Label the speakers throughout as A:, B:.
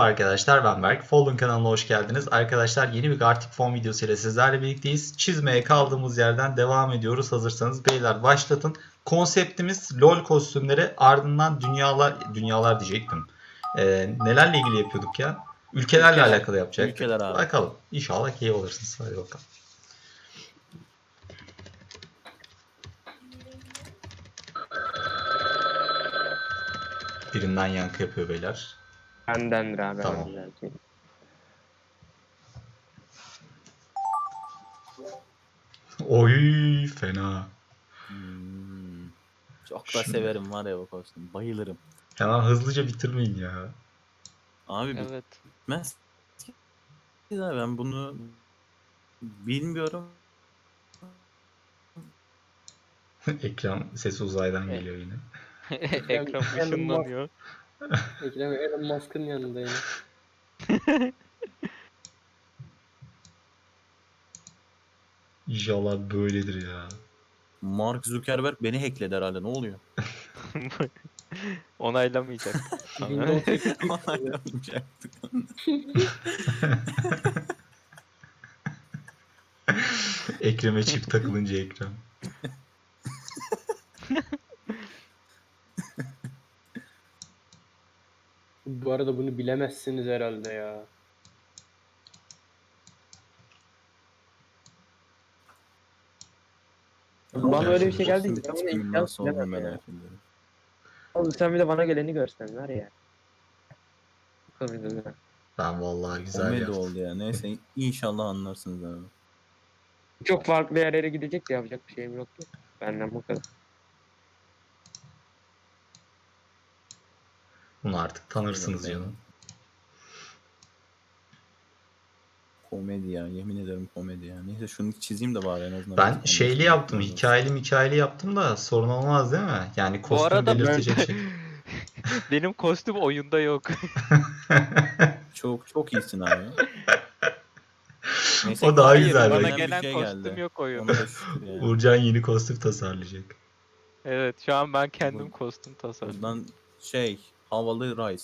A: arkadaşlar, ben Berk. Fallen kanalına hoş geldiniz. Arkadaşlar, yeni bir Gartic Phone videosu ile sizlerle birlikteyiz. Çizmeye kaldığımız yerden devam ediyoruz. Hazırsanız beyler başlatın. Konseptimiz LoL kostümleri, ardından dünyalar diyecektim. Nelerle ilgili yapıyorduk ya? Ülkelerle alakalı yapacaktık.
B: Ülkeler abi.
A: Bakalım. İnşallah keyif alırsınız. Hadi bakalım. Birinden yankı yapıyor beyler.
C: Bendendir abi.
A: Tamam. Oy fena.
B: Çok da severim var ya bu kostüm. Bayılırım.
A: Hemen hızlıca bitirmeyin ya.
B: Abi
C: Evet.
B: bitmez. Ben bunu bilmiyorum.
A: Ekran sesi uzaydan geliyor yine.
C: Ekran ışınlanıyor.
D: Ekrem Elon Musk'ın yanında yine.
A: İnşallah böyledir ya.
B: Mark Zuckerberg beni hackledi herhalde. Ne oluyor?
C: Onaylamayacak.
D: Windows 8
B: Onaylamayacaktık.
A: Ekrem'e çip takılınca ekran.
D: Bu arada bunu bilemezsiniz herhalde ya.
E: Bana öyle bir şey geldi ki
B: Kostüm
E: ben bunu
B: tipinin
E: imkansız
B: nasıl olduğunu
E: bilemem ya.
B: merak ediyorum.
E: Oğlum sen bir de bana geleni görsen var ya. Komedi.
A: Ben vallahi güzel
B: Komedi
A: yaptım.
B: oldu ya. Neyse inşallah anlarsınız abi.
E: Çok farklı yerlere gidecek de yapacak bir şeyim yok ki. Benden bu kadar.
A: Bunu artık tanırsınız canım.
B: Komedi ya. Yemin ederim komedi ya. Neyse şunu çizeyim de bari en azından.
A: Ben şeyli yaptım, hikayeli yaptım da sorun olmaz değil mi? Yani
C: Bu
A: kostüm
C: arada
A: belirtecek şey.
C: benim kostüm oyunda yok.
B: Çok iyisin abi. Neyse,
A: O daha
C: Hayır,
A: güzel.
C: bana
A: Bak.
C: gelen
B: bir şey
C: kostüm
B: geldi.
C: yok oyunda.
B: Ona da şükür yani.
A: Uğurcan yeni kostüm tasarlayacak.
C: Evet, şu an ben kendim
B: Bu-
C: kostüm tasarladım.
B: Buradan havalı Rice.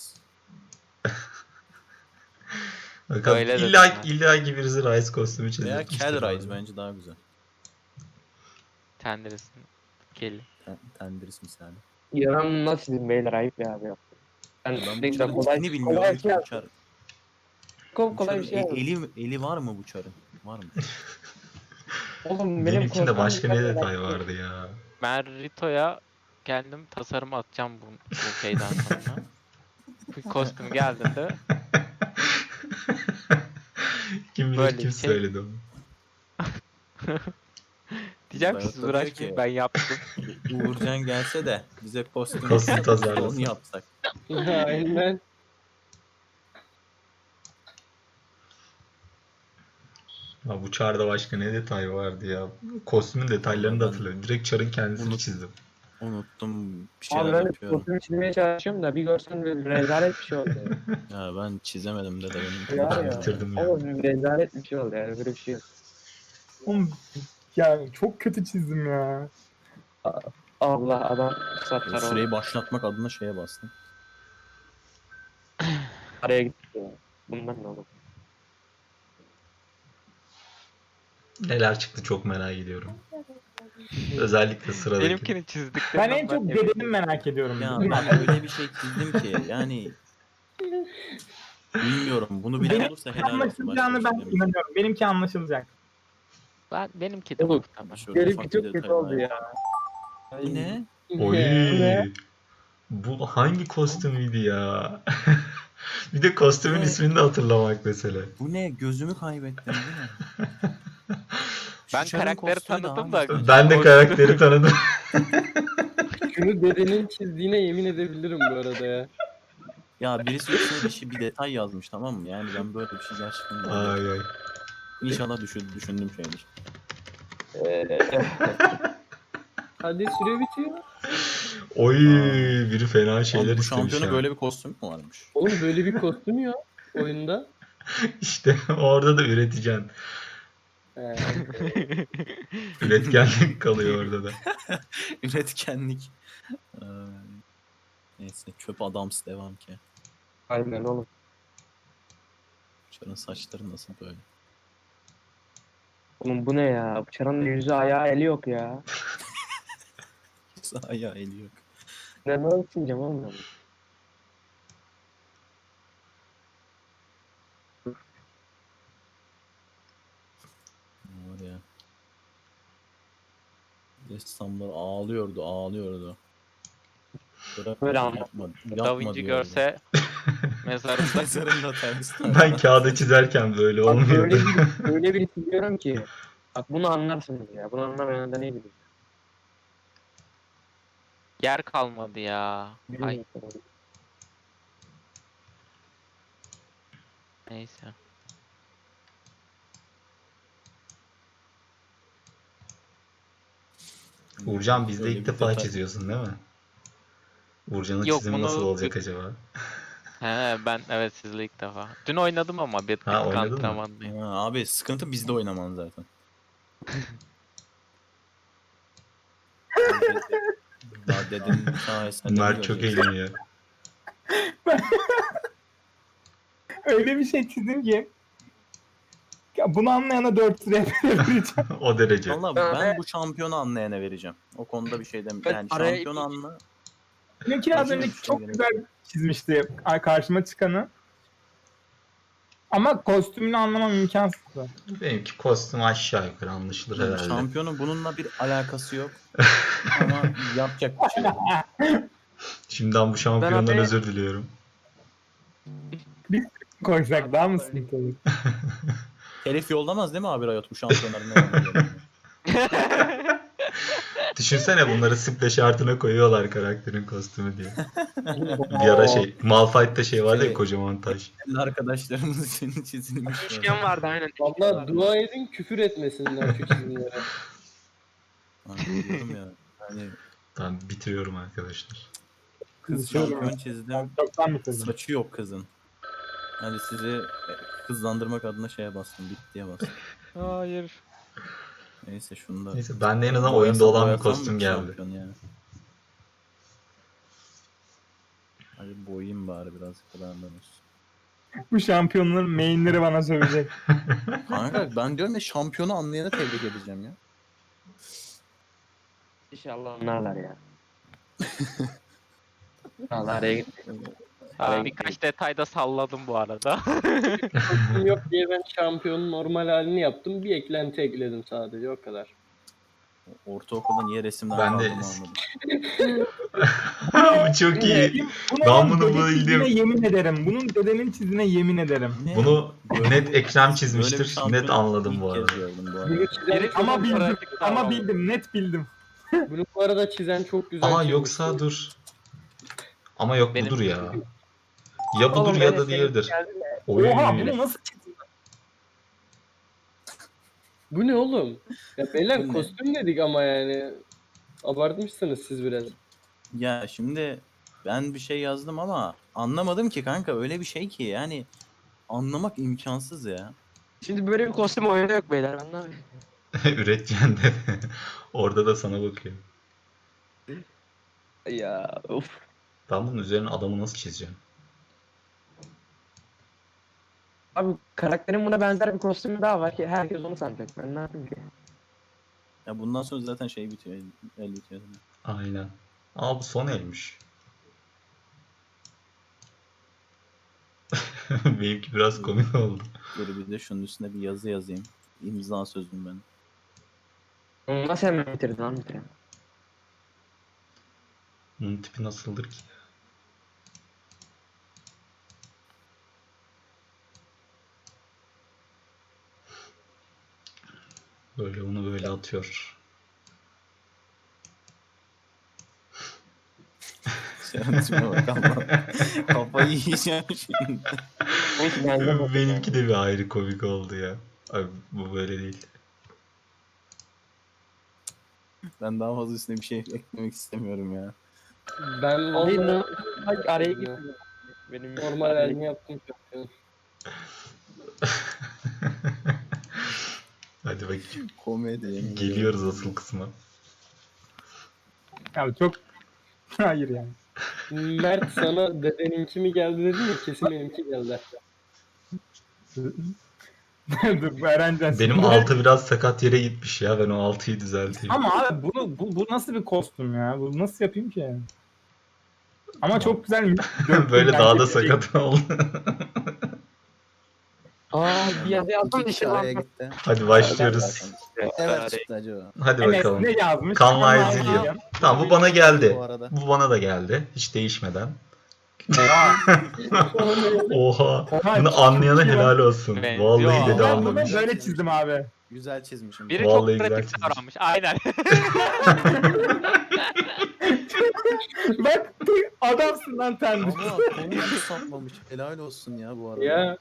A: Bakalım
C: Öyle dedim
A: illa ki birisi Rice kostümü
B: Veya
A: çizecektir.
B: Kel Rice bence daha güzel.
C: Tenderesin. Gelin.
B: Tendris misali.
E: Yaran nasıl çizim beyler ayıp ya abi. Ben
B: Ben bu
E: ne güzel
B: çarın
E: kolay,
B: ismini bilmiyorum
E: kolay,
B: ki
E: şey
B: bu çar.
E: kolay bir şey yaptım.
B: Eli var mı bu çarın? Var mı?
E: Oğlum benim
A: Benimkinde
E: kostüm
A: başka ne
E: güzel
A: detay
E: ya.
A: vardı ya.
C: Ben Rito'ya kendim tasarım atacağım bu şeyden sonra. Bu kostüm geldiğinde
A: Kim bilir
C: Böyle
A: kim
C: bir şey.
A: söyledi onu.
C: diyeceğim ki
B: Berat
C: siz
B: da diyor
C: uğraşmayın,
B: ki-
C: ben yaptım.
B: Uğurcan gelse de bize kostüm
A: tasarlasın.
B: onu yapsak.
D: Aynen.
A: Ya bu çarda başka ne detay vardı ya. Kostümün detaylarını da
B: Ben
A: hatırlıyorum. Direkt çarın kendisini
B: bunu-
A: çizdim.
B: Unuttum bir
E: Abi
B: şeyler
E: ben de
B: yapıyorum.
E: kostümü çizmeye çalışıyorum da bir görsen bir rezalet bir şey oldu.
B: Ya ben çizemedim de benim.
E: Ya
A: Ben
E: ya.
A: bitirdim ya.
E: Oğlum bir rezalet bir şey oldu yani böyle bir şey yok.
F: Oğlum ya çok kötü çizdim ya.
E: Allah adam satlar oldu.
B: Süreyi başlatmak adına şeye bastım.
E: Araya gitti ya. Bundan ne olur?
A: Neler çıktı çok merak ediyorum. Özellikle sıradaki.
C: Benimkini çizdik.
F: Ben en çok bedenimi merak ediyorum.
B: Ya ben öyle bir şey çizdim ki yani bilmiyorum. Bunu bilen
F: Benim
B: olursa helal olsun. Başka
F: anlaşılacağını
B: bir
F: ben
B: şey demeyeyim.
F: inanıyorum. Benimki anlaşılacak.
C: Benimki de
E: Oğlum,
C: muhtemelen.
B: Şöyle
E: Benimki
B: ufak bir
E: çok
B: detay
E: kötü oldu
B: var.
E: ya.
B: Bu ne?
A: Oy.
E: Ne?
A: Bu hangi kostümüydü ya? Bir de kostümün
B: Ne?
A: ismini de hatırlamak mesele.
B: Bu ne? Gözümü kaybettim. Bu ne? Şu
C: Ben
B: çarın
C: karakteri
B: kostümü
C: tanıdım
B: daha
C: da-
B: güzel.
A: Ben de karakteri tanıdım.
D: Şunu dedenin çizdiğine yemin edebilirim bu arada ya.
B: Ya birisi üstüne bir detay yazmış, tamam mı? Yani ben böyle bir şey gerçekten görmedim.
A: Ay ay.
B: İnşallah düşündüğüm şeydir.
D: Hadi süre bitiyor.
A: Oy biri fena
B: Abi
A: şeyler
B: bu
A: istemiş
B: şampiyona
A: ya.
B: böyle bir kostüm mü varmış?
D: Oğlum böyle bir kostüm yok oyunda.
A: İşte orada da üreteceksin.
D: He.
A: Üretkenlik kalıyor orada da.
B: Üretkenlik. Ee, Neyse çöp adams devam ki.
E: Aynen oğlum.
B: Çarın saçları nasıl böyle?
E: Oğlum bu ne ya? Çaranın yüzü ayağı eli yok ya.
B: Sağ ya eli yok.
E: Ne nasıl sileceğim oğlum ben?
B: Ne var ya? Ressamlar ağlıyordu. Bırak
E: Böyle
B: yapma,
C: Da
B: yapma
C: Vinci
B: diyordu.
C: görse mezarında.
B: Mezarında ters.
A: Ben kağıda çizerken böyle
E: Bak
A: olmuyordu.
E: öyle bir siliyorum ki. Bak bunu anlarsınız ya. Bunu anlamayan da ne bileyim.
C: Yer kalmadı ya. Ay
E: Bilmiyorum.
C: neyse.
A: Uğurcan bizde
B: Böyle
A: ilk
B: bir
A: defa
B: detay.
A: çiziyorsun değil mi? Uğurcan'ın
C: Yok,
A: çizimi nasıl
C: bunu-
A: olacak acaba?
C: He ben evet sizle ilk defa. Dün oynadım ama bir
A: Ha,
C: tık
A: oynadın mı?
C: antrenmandayım.
B: Ha, abi sıkıntı bizde oynaman zaten. Daha dedenin sayesinde
A: Mert çok eğleniyor.
F: Öyle bir şey çizdim ki. Ya bunu anlayana 4 lira vereceğim.
A: O derece.
B: Valla ben bu şampiyonu anlayana vereceğim. O konuda bir şey demiyorum. Yani
E: araya
B: şampiyon anla.
F: Benimki az
B: Acı
F: önce
B: bir şey
F: çok
B: gerek.
F: güzel çizmişti karşıma çıkanı. Ama kostümünü anlamam imkansızdı.
A: Benimki kostüm aşağı yukarı anlaşılır herhalde.
B: Şampiyonun bununla bir alakası yok. Ama yapacak bir şey yok.
A: Şimdiden bu şampiyondan
E: Ben abi-
A: özür diliyorum.
F: Koysak daha mı sıkıntı olur?
B: Herif yollamaz değil mi abi Riot bu şampiyonların ne olduğunu?
A: Düşünsene bunları simple şartına koyuyorlar karakterin kostümü diye. Bir ara Malphite'da şey vardı ya,
B: Şey-
A: kocaman taş.
B: Arkadaşlarımız için çizilmiş.
E: Üçgen vardı aynen.
D: Valla dua edin küfür etmesinler şu çizimlere.
B: Hani diyorum ya. Hani
A: Tamam, bitiriyorum arkadaşlar.
B: kız
F: Şöyle-
B: şampiyon çizdim.
F: Çoktan bitirdim.
B: Saçı yok kızın. Hani sizi hızlandırmak adına şeye bastım. Bittiye bastım.
C: Hayır.
B: Neyse şunu da.
A: Neyse, ben de en azından
B: Boyasam-
A: oyunda olan bir
B: boyasam mı
A: kostüm
B: ki
A: geldi.
B: şampiyon ya? Hadi boyayayım bari birazcık da benden olsun.
F: Bu şampiyonların mainleri bana sövecek.
B: Kanka ben diyorum ya şampiyonu anlayana tebrik edeceğim ya.
E: İnşallah anlarlar ya. Allah araya gitti.
C: Abi birkaç detayda salladım bu arada.
D: Kostüm yok diye ben şampiyonun normal halini yaptım. Bir eklenti ekledim sadece o kadar.
B: Ortaokulda niye resimden
A: Ben de-
B: kaldığımı anladım.
A: Bu çok iyi. Ben
F: Bunun
A: bunu
F: dede çizdiğine
A: bildim.
F: yemin ederim. Bunun dedenin çizdiğine yemin ederim.
B: Ne?
A: Bunu net Ekrem
B: Böyle bir
A: çizmiştir.
B: şampiyonu
A: Net anladım
B: ilk
A: bu
B: kez
A: arada.
B: gördüm bu arada.
D: Bunu çizen,
C: Biri-
F: Ama bildim.
C: Pratik
F: Ama
C: davrandı.
F: bildim. Net bildim.
D: bunu bu arada çizen çok güzel
A: Aa,
D: çizmişti.
A: yoksa dur. Ama yok,
C: Benim-
A: budur ya. Ya budur
E: Oğlum,
A: ya
E: ben
A: da
E: de
A: diğeridir.
E: senin geldi de.
A: Oy.
F: Oha, bunu nasıl çizdin?
D: Bu ne oğlum? Ya beyler
B: Bu ne?
D: kostüm dedik ama yani. Abartmışsınız siz biraz.
B: Ya şimdi ben bir şey yazdım ama anlamadım ki kanka öyle bir şey ki yani anlamak imkansız ya.
E: Şimdi böyle bir kostüm oyunda yok beyler. Anlamıyorum.
A: Üretken de. Orada da sana bakıyor.
E: Ya of.
A: Ben bunun üzerine adamı nasıl çizeceğim?
E: Abi karakterin buna benzer bir kostümü daha var ki herkes onu sanacak. Ben ne yapayım ki?
B: Ya bundan sonra zaten şey bitiyor, el bitiyor.
A: Aynen. Aa, bu son elmiş. Benimki biraz komik oldu.
B: Dur bir de şunun üstüne bir yazı yazayım. İmza sözüm ben.
E: Onu nasıl hemen bitirdin lan bitiren?
A: Bunun tipi nasıldır ki? Böyle onu böyle atıyor.
B: Şerefime bak Allah'ım. Kafayı yiyeceğim şimdi.
E: Neyse bende
A: Benimki de bir ayrı komik oldu ya. Abi bu böyle değil.
B: Ben daha fazla üstüne bir şey eklemek istemiyorum ya.
D: Ben
E: Hayır,
D: valla
E: araya gitti. Benim
D: normal halini yaptım şampiyon.
A: Hadi bakayım.
B: Komedi.
A: Geliyoruz asıl kısma.
F: Ya çok... Hayır yani.
D: Mert sana dedeninki mi geldi dedin ya kesin benimki geldi.
F: Dur bu Erencan.
A: Benim 6 biraz sakat yere gitmiş ya. Ben o 6'yı düzelteyim.
F: Ama abi bu nasıl bir kostüm ya? Bu nasıl yapayım ki? Ama çok güzel.
A: Böyle daha da sakat oldu.
E: Aa bir yazı yazdım
B: İki kişi
E: dişi
B: araya
E: lan.
B: gitti.
A: Hadi başlıyoruz.
B: Evet çıktı acaba.
A: Hadi
F: Enes
A: bakalım.
F: ne yazmış?
A: Kanla Ezreal. Tamam bu bana geldi.
B: Bu arada.
A: Bu bana da geldi. Hiç değişmeden.
F: Oha.
A: Oha.
F: Oha,
A: Bunu
F: çok
A: anlayana
F: iyi lan.
A: helal olsun.
C: Benziyor.
A: Vallahi dedi
F: Ben bunu
A: anlamış.
F: böyle çizdim abi.
B: Güzel çizmişim.
C: Biri
A: Vallahi
C: çok
A: güzel
C: pratik
A: çizmiş.
C: davranmış. Aynen.
F: Bak adamsın lan sen.
B: Ama konuyu hiç sapmamış. Helal olsun ya bu arada.
D: Ya.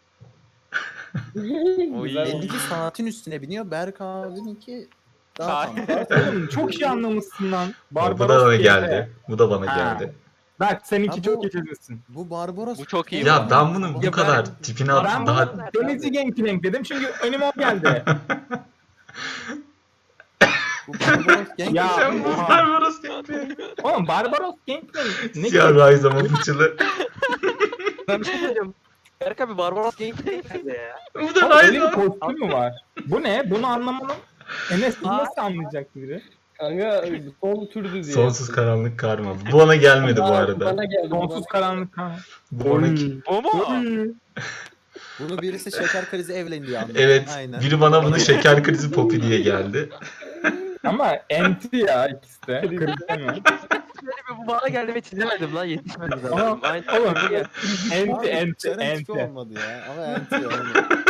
C: Oy.
D: Güzel.
B: Benimki saatin üstüne biniyor. Berk abininki daha
C: Saat.
B: tam.
F: Oğlum çok iyi anlamışsın lan.
A: Bu da
F: Barbaros
A: bana
F: diye.
A: geldi. Bu da bana
F: Ha.
A: geldi.
F: Bak seninki
B: Ha,
F: çok
B: bu-
F: iyi çizmişsin.
B: Bu Barbaros.
C: Bu çok iyi.
A: Ya ben bunu bu
E: Ya
A: kadar
E: ben-
A: tipine
F: Ben
A: at daha
F: bunu Denizci Gangplank dedim çünkü önüme o geldi.
B: Bu Barbaros genç.
F: Ya
A: Sen bu
F: oha.
A: Barbaros gibi.
F: Oğlum Barbaros Gangplank ne
A: Siyah
F: ki?
A: Ryze ama fıçılı.
E: Ben bir şey söyleyeceğim. Berk abi Barbaros Gameplay nerede ya?
A: Bu da
F: Oğlum, öyle
A: Ryze
F: bir kostüm mü var? Bu ne? Bunu anlamanın Enes bunu nasıl anlayacak biri?
D: Kanka son türdü diye.
A: Sonsuz karanlık karma. Bu bana gelmedi bu arada.
D: Bana geldi.
F: Sonsuz karanlık kan.
A: Bu bana
C: Bu mu?
B: Bunu birisi şeker krizi evlendi diye anladı.
A: Evet.
B: Aynen.
A: Biri bana bunu şeker krizi popi diye geldi.
F: Ama enti ya ikisi de. Kırıklamıyor.
E: Böyle bir bu bana geldi ve çizemedim lan yetişmedi
F: Ama
E: zaten. Aynen.
F: oğlum enti
B: Abi,
F: enti
B: Ceren tipi
F: enti.
B: olmadı ya. Ama enti yani.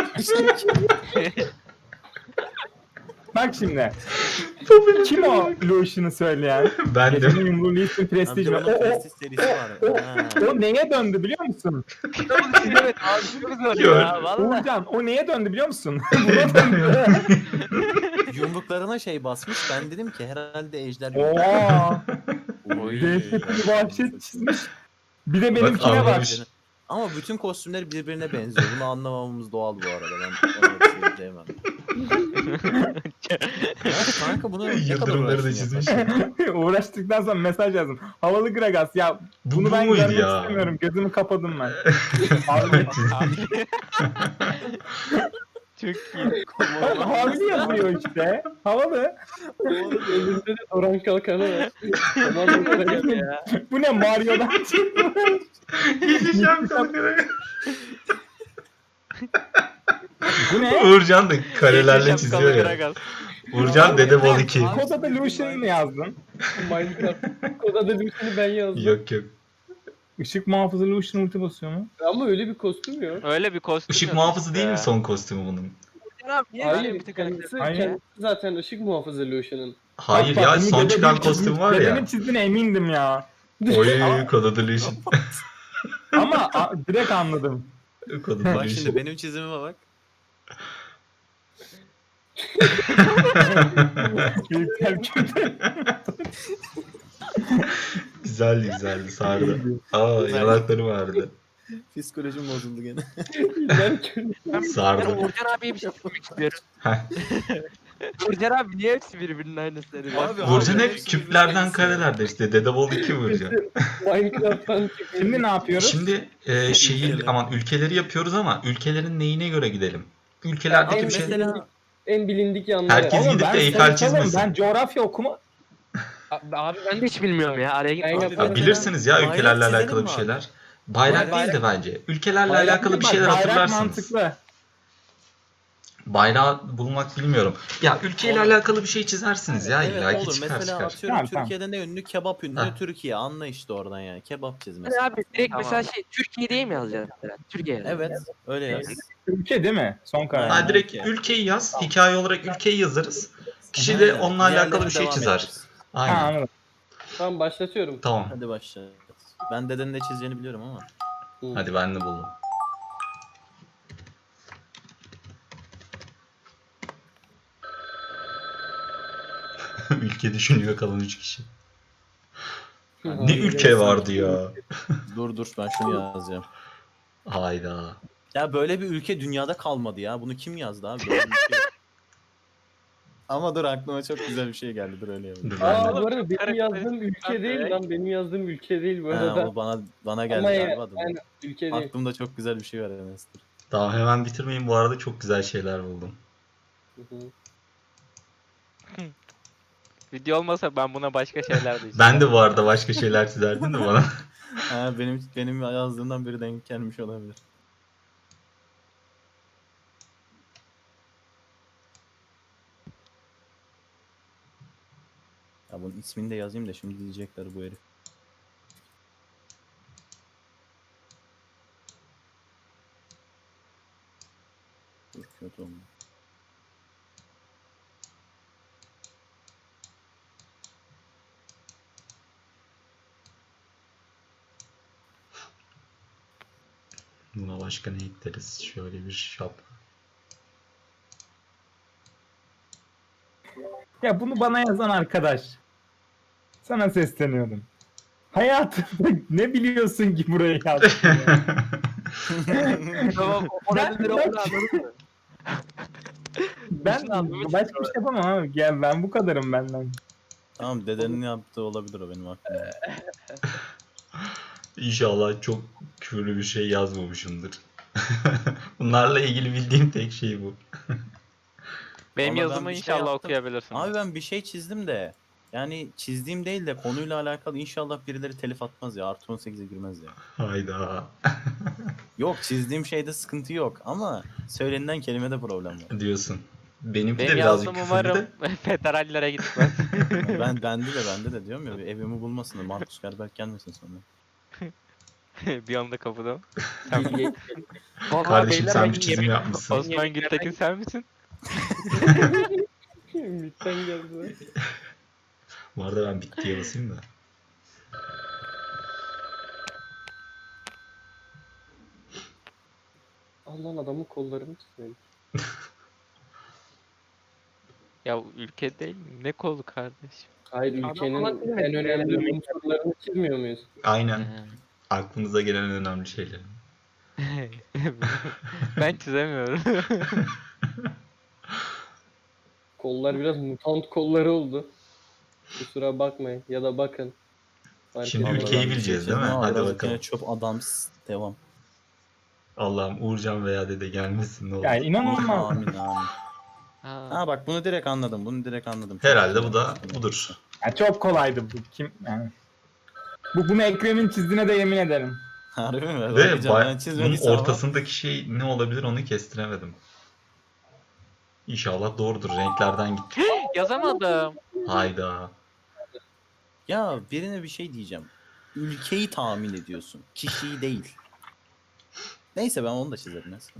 F: Bak şimdi. Kim o Lucian'ı söyleyen?
A: Ben de.
F: Gecenin yumruğu Lucian Prestige mi?
B: Bunun Prestige serisi var. Ha.
F: O neye döndü biliyor musun?
E: Kitabı çizemedim abi çok zor
A: Gör.
E: ya valla.
F: Uğurcan o neye döndü biliyor musun? Buna döndü.
B: Yumruklarına şey basmış. Ben dedim ki herhalde ejder.
F: Oo.
B: Oy.
F: Dehşet bir vahşet çizmiş. Bir de
A: Bak,
F: benimkine bak.
A: anlamış.
B: Ama bütün kostümler birbirine benziyor. Bunu anlamamamız doğal bu arada. Ben ona bir şey diyemem. Evet, kanka bunu ne kadar
A: Yıldırımları da
B: uğraştın
A: çizmiş.
B: yaparken?
F: Uğraştıktan sonra mesaj yazdım. Havalı Gragas ya
A: Bu
F: bunu ben
A: muydu
F: görmek
A: ya?
F: istemiyorum. Gözümü kapadım ben. Abi,
C: Çok iyi.
F: havalı yazıyor işte. Havalı.
D: Elinde de Orhan Kalkan'ı var. Tamam mı?
E: ya.
F: Bu ne Mario'dan çıkmış.
A: Gece şampiyonları.
F: Bu ne?
A: Uğurcan da karelerle
C: Şapkalı
A: çiziyor ya.
C: Gragas.
A: Uğurcan Dede Bol 2.
F: Koda'da Lucian'ı mı yazdın?
D: Minecraft. Kodada Lucian'ı ben yazdım.
A: Yok yok.
F: Işık muhafızı Lucian ulti basıyor mu?
D: Ama öyle bir kostüm yok.
C: Öyle bir kostüm
A: Işık
C: yok
A: muhafızı
C: işte
A: değil mi
C: ya.
A: son kostümü bunun?
E: Uğurcan abi niye böyle
D: Hayır,
E: bir tık karakter?
D: kendisi,
F: Hayır.
D: kendisi zaten ışık muhafızı Lucian'ın.
A: Hayır
F: Bak,
A: ya
F: bak,
A: son
F: dede
A: çıkan
F: bir
A: kostüm
F: çizmiş,
A: var
F: dedenin
A: ya.
F: çizdiğine emindim ya.
A: Oy Kod Lucian.
F: Ama direkt anladım.
A: Kod
B: Bak şimdi
A: Lucian.
B: benim çizimime bak.
F: Büyükler kötü.
A: Güzeldi güzeldi sardı. Aa yanakları vardı.
B: Psikolojim bozuldu gene.
D: Ben
E: Ben
A: Sardı.
E: Uğurcan abiye bir şey söylemek istiyorum.
A: Heh.
E: Uğurcan abi niye hepsi birbirinin aynısı?
B: Abi,
A: Uğurcan
B: abi,
A: hep
B: hepsi
A: küplerden
B: birbirine
A: karelerde işte. Dede Bol 2 Uğurcan.
D: Minecraft'tan çıkıyor.
F: Şimdi ne yapıyoruz?
A: Şimdi şehir aman ülkeleri yapıyoruz ama ülkelerin neyine göre gidelim? Ülkelerdeki
D: Abi
A: bir şey.
B: mesela
D: En bilindik yanları.
A: Herkes
F: Oğlum
A: gidip
F: ben
A: de Eyfel
F: sayısalım,
A: çizmesin.
F: Ben coğrafya okuma...
E: Abi ben de hiç bilmiyorum ya. Araya
D: Ben
E: gitme.
D: yaparım.
A: Ya bilirsiniz ya
B: Bayrak
A: ülkelerle
B: çizelim
A: alakalı
B: mi
A: bir
B: abi?
A: şeyler. Bayrak
B: Bayrak-
A: değil de bence. Ülkelerle
F: Bayrak
A: alakalı bir
F: bak,
A: şeyler
F: bayrak
A: hatırlarsınız.
F: mantıklı.
A: Bayrağı bulmak bilmiyorum. Ya ülkeyle
B: Olur.
A: alakalı bir şey çizersiniz ya
B: evet
A: illa ki
B: olur.
A: çıkar
B: Mesela
A: çıkar.
B: atıyorum
F: Tamam, tamam.
B: Türkiye'de ne ünlü? Kebap ünlü.
A: Heh.
B: Türkiye. Anla işte oradan yani. Kebap çiz
E: Hani
B: mesela.
E: abi direkt
C: Tamam.
E: mesela şey Türkiye diye mi yazacağız mesela? Türkiye.
B: Evet. Öyle yaz.
F: Ülke değil mi? Son karar.
A: Ha, direkt
B: Ülke.
A: ülkeyi yaz. Hikaye olarak ülkeyi yazarız. Kişi de onunla alakalı
B: Diğerlerine
A: bir şey
B: devam
A: çizer.
B: ederiz.
F: Ha
A: Aynen.
F: anladım.
D: Tamam başlatıyorum.
A: Tamam.
B: Hadi başla. Ben dedenin ne çizeceğini biliyorum ama.
A: Hadi ben de buldum. Ülke düşünüyor kalan 3 kişi. Ne ülke vardı ya?
B: Dur ben şunu yazacağım.
A: Hayda.
B: Ya böyle bir ülke dünyada kalmadı ya. Bunu kim yazdı abi? Böyle bir ülke yok. Ama dur aklıma çok güzel bir şey geldi. Dur öyle yapayım.
A: Dur ben
D: Aa
A: de.
D: bu arada benim yazdığım ülke değil lan. Benim yazdığım ülke değil bu arada.
B: Ha, o bana geldi
D: Ama
B: galiba. Dur.
D: yani ülke değil.
B: Aklımda çok güzel bir şey var Enes. Dur.
A: Daha hemen bitirmeyin, bu arada çok güzel şeyler buldum.
D: Hı hı.
C: Video olmasa ben buna başka şeyler de
A: Ben de bu arada başka şeyler çizerdim de bana.
B: Ha, benim yazdığımdan biri denk gelmiş olabilir. Ya bunun ismini de yazayım da şimdi diyecekler bu herif. Dur, kötü oldu.
A: Buna başka ne ekleriz? Şöyle bir şap.
F: Ya bunu bana yazan arkadaş. Sana sesleniyorum. Hayatında ne biliyorsun ki buraya yazdın ya?
E: Tamam
F: Ben-
E: orada onu anladın mı?
F: Ben
E: İşini anlamış
F: başka bir şey yapamam abi. Gel ben bu kadarım benden.
B: Tamam, dedenin yaptığı olabilir o benim aklımda.
A: İnşallah çok küfürlü bir şey yazmamışımdır. Bunlarla ilgili bildiğim tek şey bu.
C: Benim
B: Vallahi ben
C: yazımı
B: bir şey
C: inşallah
B: yaptım.
C: okuyabilirsin.
B: Abi ben bir şey çizdim de. Yani çizdiğim değil de konuyla alakalı inşallah birileri telif atmaz ya. Artı 18'e girmez ya.
A: Hayda.
B: Yok, çizdiğim şeyde sıkıntı yok ama söylenilen kelimede problem var.
A: Diyorsun. Benimki de
C: Benim
A: birazcık
C: yazdığım
A: küfürlü
C: umarım
A: de.
C: federallere gitmez.
B: Bende de diyorum ya, bir evimi bulmasın da Markus Gerberk gelmesin sonra.
C: Bir anda kapıdan.
D: Bill Gates.
E: Vallahi
A: Kardeşim
E: beyler
A: sen
E: ben
A: bir çizim
E: yemek-
A: yapmışsın.
C: Osman Gültekin sen misin?
D: Ümit'ten geldi.
A: Bu arada ben bittiye basayım da.
D: Allah'ın adamın kollarını çizelim.
C: Ya ülke değil mi? Ne kolu kardeşim?
D: Hayır,
E: Adam
D: ülkenin
E: falan çizmedi.
D: en önemli unsurlarını çizmiyor muyuz?
A: Aynen. Aklınıza gelen önemli şeyler.
C: Ben çizemiyorum.
D: Kollar biraz mutant kolları oldu. Kusura bakmayın ya da bakın. Fark
A: Şimdi
D: etmez.
A: ülkeyi
B: ben bir
A: bileceğiz, değil mi?
B: çizdim ama
A: Hadi
B: birazcık
A: bakalım.
B: yine çöp adams. Devam.
A: Allah'ım Uğurcan veya dede gelmesin ne olur.
F: Yani inanılmaz.
B: Amin amin.
C: Ha.
B: Ha bak, bunu direkt anladım. Bunu direkt anladım. Çok
A: Herhalde
B: güzel
A: bu da
B: yapmışsın.
A: budur.
F: Ya çok kolaydı bu. Kim yani? Bunu Ekrem'in çizdiğine de yemin ederim.
B: Harbi mi?
A: Ve
B: Bakacağım. Ben
A: bunun
B: çizmediysem ama.
A: ortasındaki şey ne olabilir onu kestiremedim. İnşallah doğrudur. Renklerden gitti.
C: Yazamadım.
A: Hayda.
B: Ya birine bir şey diyeceğim. Ülkeyi tahmin ediyorsun. Kişiyi değil. Neyse, ben onu da çizerim mesela.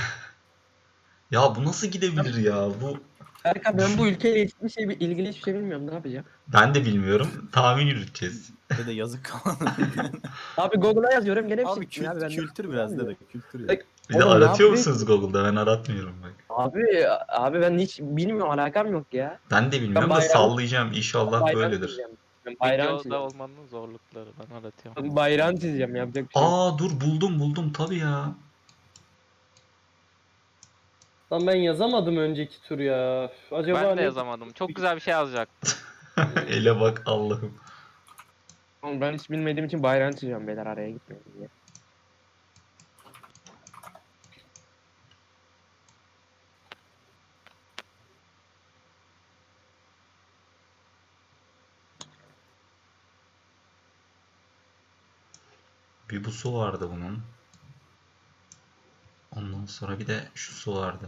A: Ya bu nasıl gidebilir ya? Bu
E: Erkan ben bu ülkeyle ilgili hiçbir şey bilmiyorum. Ne yapacağım?
A: ben de bilmiyorum. Tahmin yürüteceğiz.
B: Dede yazık kalan.
E: Abi Google'a yazıyorum gene bir
B: Abi
E: şey. Abi ben de-
B: kültür biraz dede. Kültür ya.
E: Bek-
A: Bir de
E: Oğlum, ne
A: aratıyor
E: yapayım?
A: musunuz Google'da? Ben aratmıyorum bak.
E: Abi ben hiç bilmiyorum, alakam yok ya.
A: Ben de bilmiyorum da
E: bayram-
A: sallayacağım. İnşallah
E: Bayram
A: böyledir.
E: çizeceğim. Ben bayram
C: Videoda
E: çizeceğim.
C: olmanın zorlukları. Ben aratıyorum.
E: Ben bayram çizeceğim, yapacak bir şey yok.
A: Aa dur buldum tabii ya.
D: Lan ben yazamadım önceki tur ya. Üf, acaba
C: Ben de
D: ne?
C: yazamadım. Çok güzel bir şey yazacaktım.
A: Ele bak Allah'ım.
E: Oğlum ben hiç bilmediğim için bayram çizeceğim beyler, araya gitmeyin diye.
A: Bir bu su vardı bunun. Ondan sonra bir de şu su vardı.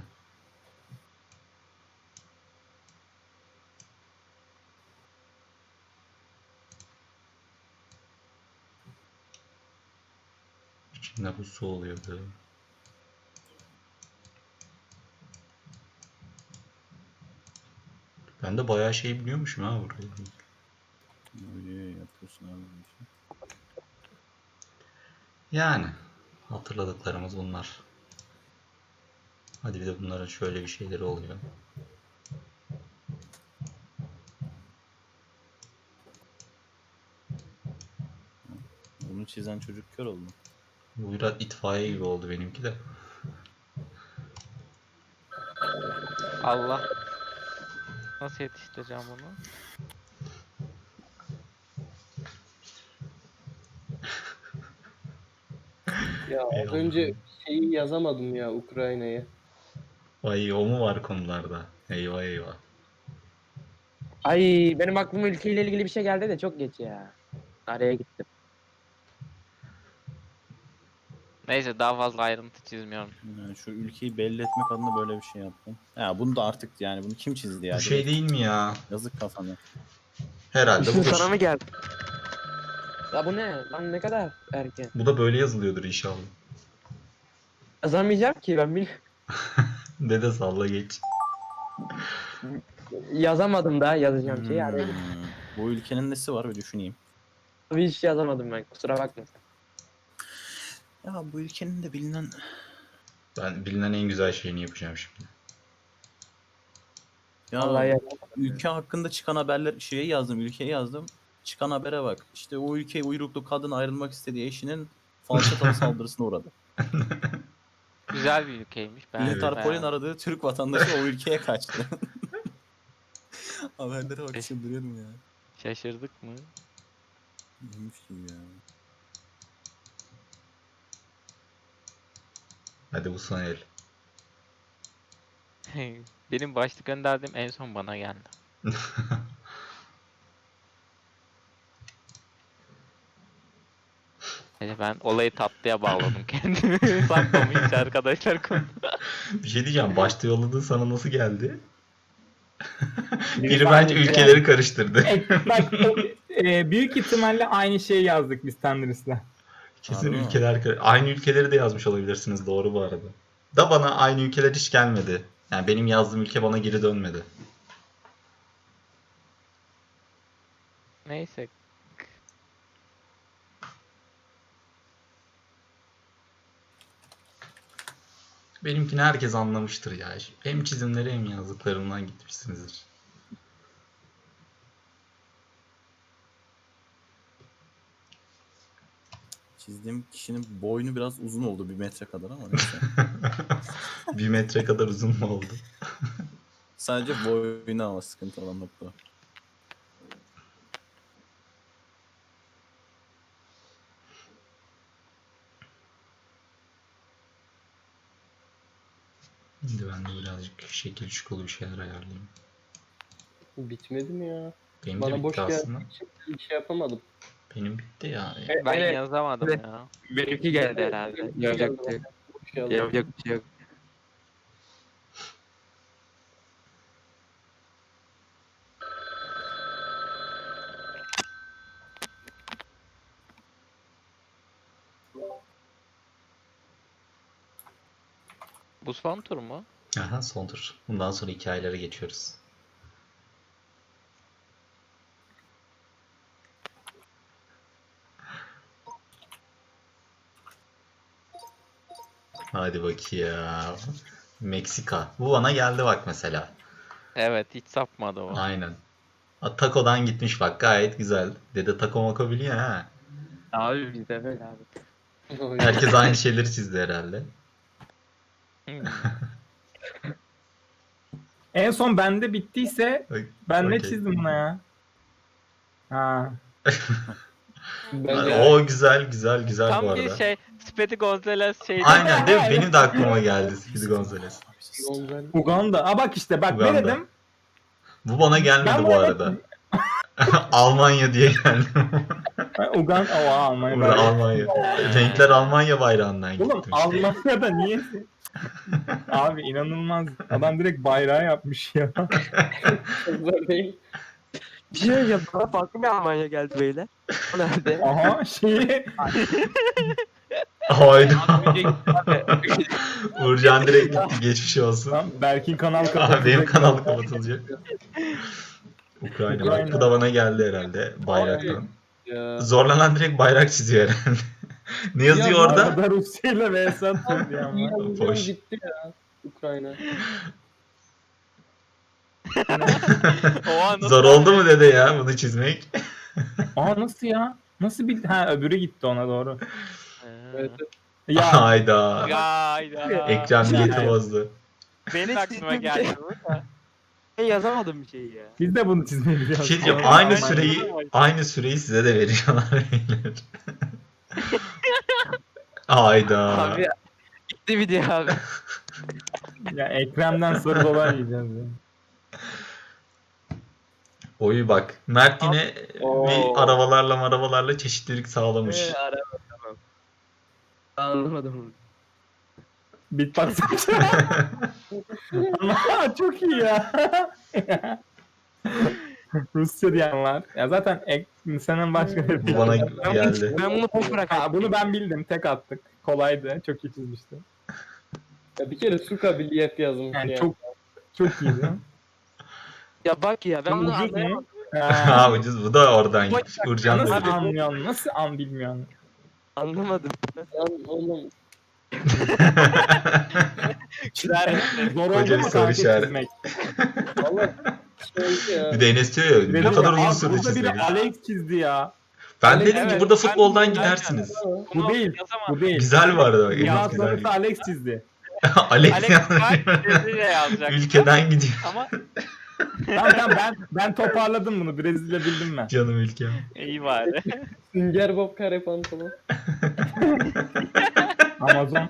A: İçinde bu su oluyordu. Ben de bayağı şey biliyormuşum ha burayı.
B: Öyle yapıyorsun abi. bu işi.
A: Yani hatırladıklarımız bunlar. Hadi bir de bunların şöyle bir şeyleri oluyor.
B: Bunu çizen çocuk kör oldu.
A: Bu biraz itfaiye gibi oldu benimki de.
C: Allah. Nasıl yetiştireceğim bunu?
D: Ya az
A: Eyvallah.
D: önce şeyi yazamadım ya, Ukrayna'yı.
A: Vay, o mu var konularda? Eyvah eyvah.
E: Ay benim aklıma ülkeyle ilgili bir şey geldi de çok geç ya. Araya gittim.
C: Neyse daha fazla ayrıntı çizmiyorum.
B: Yani şu ülkeyi belli etmek adına böyle bir şey yaptım. Ya bunu da artık yani bunu kim çizdi ya?
A: Bu şey
B: Direkt
A: değil mi ya?
B: yazık kafana.
A: Herhalde
E: İşin
A: budur.
E: sana mı geldi? Ya bu ne? Lan ne kadar erken.
A: Bu da böyle yazılıyordur inşallah.
E: Yazamayacağım ki ben
A: Dede salla geç.
E: yazamadım daha yazacağım şeyi. Araya gittim.
B: Bu ülkenin nesi var bir düşüneyim.
E: Hiç yazamadım ben, kusura bakma.
B: Ya bu ülkenin de bilinen...
A: Ben bilinen en güzel şeyini yapacağım şimdi.
B: Ya
E: Vallahi ya.
B: ülke hakkında çıkan haberler şeye yazdım, ülkeye yazdım. Çıkan habere bak. İşte o ülke uyruklu kadın ayrılmak istediği eşinin falçatalı saldırısına uğradı.
C: Güzel bir ülkeymiş. Ben
B: Interpol'ün
C: beğendim.
B: aradığı Türk vatandaşı o ülkeye kaçtı. Haberlere bak çıldırıyorum ya.
C: Şaşırdık mı?
B: Neymiş gibi ya.
A: Hadi bu son el.
C: Benim başlık gönderdiğim en son bana geldi. Neyse ben olayı tatlıya bağladım kendimi. Saklama hiç arkadaşlar konu.
A: Bir şey diyeceğim. Başta yolladığı sana nasıl geldi?
F: Biri
A: Biri bence ülkeleri karıştırdı.
F: Bak büyük ihtimalle aynı şeyi yazdık biz Thunders'la.
A: Kesin
B: Harbi mi?
A: ülkeler aynı ülkeleri de yazmış olabilirsiniz. Doğru bu arada. Da bana aynı ülkeler hiç gelmedi. Yani benim yazdığım ülke bana geri dönmedi.
C: Neyse.
A: Benimkini herkes anlamıştır ya. Hem çizimleri hem yazdıklarımdan gitmişsinizdir.
B: Çizdiğim kişinin boynu biraz uzun oldu 1 metre kadar ama neyse.
A: 1 metre kadar uzun mu oldu?
B: Sadece boynu ama sıkıntı olan nokta.
A: Şimdi ben de birazcık şekil şukulu bir şeyler ayarlayayım.
D: Bitmedi mi ya?
A: Benim de
D: Bana
A: bitti
D: boş
A: aslında.
D: geldiği için bir şey yapamadım.
A: Benim bitti ya.
C: Ben
E: Evet.
C: yazamadım
E: Evet.
C: ya.
E: Benimki geldi herhalde. Yapacak bir şey yok.
D: Boş geldi.
E: Yapacak bir şey yok.
C: Bu son tur mu?
A: Aha, son tur. Bundan sonra hikayelere geçiyoruz. Hadi bakayım. Meksika. Bu bana geldi bak mesela.
C: Evet hiç sapmadı o.
A: Aynen. Taco'dan gitmiş bak, gayet güzel. Dede taco mako biliyor ha.
E: Abi bizde böyle abi.
A: Herkes aynı şeyleri çizdi herhalde.
C: Hmm.
F: En son bende bittiyse ben ne
A: Okey.
F: çizdim buna ya? Ha.
D: Ben
A: O güzel güzel güzel bu
C: Tam
A: arada.
C: bir şey Speedy Gonzales şeydi.
A: Aynen değil mi? Benim de aklıma geldi Speedy Gonzales.
D: Gonzalo.
F: Uganda. Aa bak işte bak
A: Uganda.
F: ne dedim?
A: Bu bana gelmedi
F: Ben
A: bu
F: bu
A: arada. Almanya diye geldi.
F: Uganda. Oha Almanya.
A: Burada
F: bayrağı.
A: Almanya. Renkler Almanya bayrağından
F: Oğlum
A: gitti. işte.
F: Almanya'da niye? Abi inanılmaz. Adam direkt bayrağı yapmış ya.
D: Kızlar değil.
E: Bir şey söyleyeceğim. Bana farklı bir Almanya geldi beyler. O nerede?
F: Aha şeyi
A: Hayda.
E: Abi,
A: Uğurcan direkt gitti. Geçmiş olsun.
F: lan Berk'in kanal
A: Aha,
F: kapatacak.
A: benim kanal kapatılacak. Ukrayna. Bak,
F: Ukrayna.
A: bu da bana geldi herhalde bayraktan.
D: Ya.
A: Zorlanan direkt bayrak çiziyor herhalde. Ne yazıyor
D: Ya,
A: orada?
F: Arada Rusya ile vs atıldı ya.
D: İnanılmaz
A: Boş.
D: gitti ya. Ukrayna.
C: Oha, nasıl
A: Zor oldu mu dede ya bunu çizmek?
F: Aa nasıl ya? Nasıl bir... Ha öbürü gitti ona doğru.
D: Evet.
F: Ya
A: Hayda.
C: Hayda.
A: Ekran niyeti
F: Ya.
A: bozdu.
C: Benim aklıma geldi bu da.
E: Ben yazamadım bir şey ya.
F: biz de bunu çizmeyi
A: Bir
F: biliyoruz.
A: şey diyeceğim.
F: Ama-
A: Aynı süreyi size de veriyorlar beyler. Hayda.
E: Abi
C: Bitti video abi.
F: Ya Ekrem'den soru dolar yiyeceğiz ya.
A: Oyu bak. Mert yine
E: Oo.
A: bir arabalarla çeşitlilik sağlamış.
E: Anlamadım.
F: Beatbox Ama çok iyi ya. Rusça diyen var. Ya zaten senin başka bir
A: Bu bana geldi.
E: Ben bunu boş bırak.
F: Ha, bunu ben bildim. Tek attık. Kolaydı. Çok iyi çizmişti.
D: Ya bir kere su kabiliyet yazmış
F: Yani
D: ya.
F: çok iyiydi.
E: Ya bak ya ben
F: Ama
E: bunu
F: ucuz
E: anlayamadım.
F: mu? Ha.
A: Ha ucuz. Bu da oradan gitmiş. Urcan
F: Nasıl
A: dedi.
F: anlıyorsun? Nasıl bilmiyorsun?
E: Anlamadım.
D: Lan oğlum
F: Zor
A: Koca
F: oldu
A: bir
F: mu
A: soru
F: kanka
A: işareti.
F: çizmek?
D: valla şey ya.
A: Bir de Enes diyor ya ne kadar uzun sürdü
F: Burada biri
A: çizmek.
F: Alex çizdi ya.
A: Ben dedim ki
C: Evet,
A: burada
C: ben-
A: futboldan
C: ben-
A: gidersiniz.
F: Bu değil. Bu değil.
A: Güzel vardı bak.
F: Ya
A: Enes güzel.
F: sonrası Alex çizdi.
A: Alex
C: Alex Brezilya yazacak.
A: ülkeden gidiyor.
C: Ama
F: Tamam ben toparladım bunu. Brezilya bildim ben.
A: Canım ülkem.
C: iyi bari.
D: Sünger Bob kare pantolon.
F: Amazon.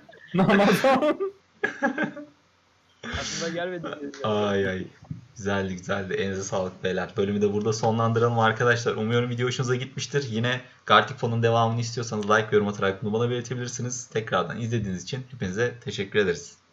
E: Aklına gelmedi.
A: Ay ay. Güzeldi. Elinize sağlık beyler. Bölümü de burada sonlandıralım arkadaşlar. Umuyorum video hoşunuza gitmiştir. Yine Gartic Fon'un devamını istiyorsanız like ve yorum atarak bunu bana belirtebilirsiniz. Tekrardan izlediğiniz için hepinize teşekkür ederiz.